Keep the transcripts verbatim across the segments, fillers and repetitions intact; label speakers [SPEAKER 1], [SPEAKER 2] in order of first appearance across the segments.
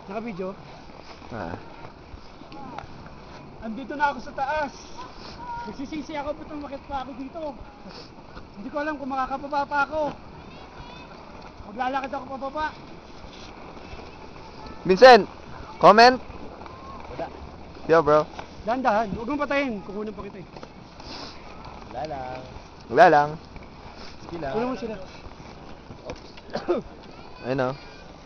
[SPEAKER 1] Naka-video?
[SPEAKER 2] Ah.
[SPEAKER 1] Andito na ako sa taas. Nagsisisi ako, ba't umakit pa ako dito? Hindi ko alam kung makakapaba pa ako. Maglalakad ako pababa.
[SPEAKER 2] Vincent, comment?
[SPEAKER 3] Wala.
[SPEAKER 2] Yo bro.
[SPEAKER 1] Dahan-dahan, huwag mong patayin. Kukunan pa kita eh.
[SPEAKER 3] Wala lang.
[SPEAKER 2] Wala lang.
[SPEAKER 3] Sige lang.
[SPEAKER 1] Kunan mo sila.
[SPEAKER 2] Ayun o.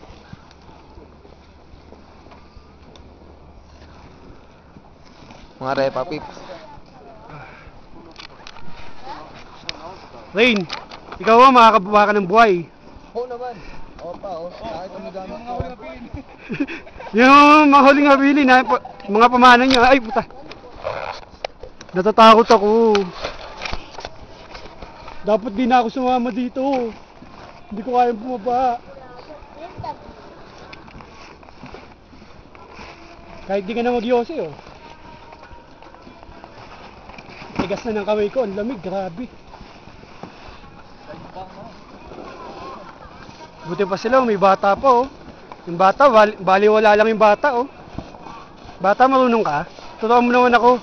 [SPEAKER 2] Mga repa pips.
[SPEAKER 1] Rain, ikaw ba makakababa ka ng buhay?
[SPEAKER 3] Oo naman. Oo pa, oo. Kahit ang gamit ko.
[SPEAKER 1] Yung mga huling habilin na mga pamana niya, ay puta. Natatakot ako. Dapat di na ako sumama dito. Hindi ko kayang bumaba. Kahit di ka na mag-yose oh. Tigas na ng kamay ko, ang lamig, grabe. Buti pa sila, may bata pa oh. Yung bata, bali, baliwala lang yung bata oh. Bata, marunong ka? Totoo mo naman ako.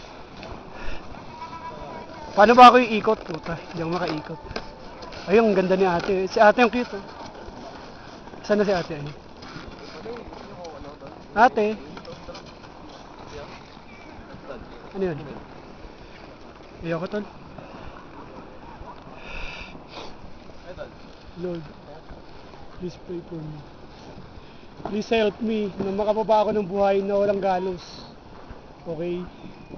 [SPEAKER 1] Paano ba ako iikot? Puta, hindi ako makaikot. Ay, ang ganda ni ate. Si ate yung cute oh. Saan na si ate? Ay? Ate? Ano yun? Ayoko tol. Lord, please pray for me. Please help me na makababa ako ng buhay na walang galos. Okay?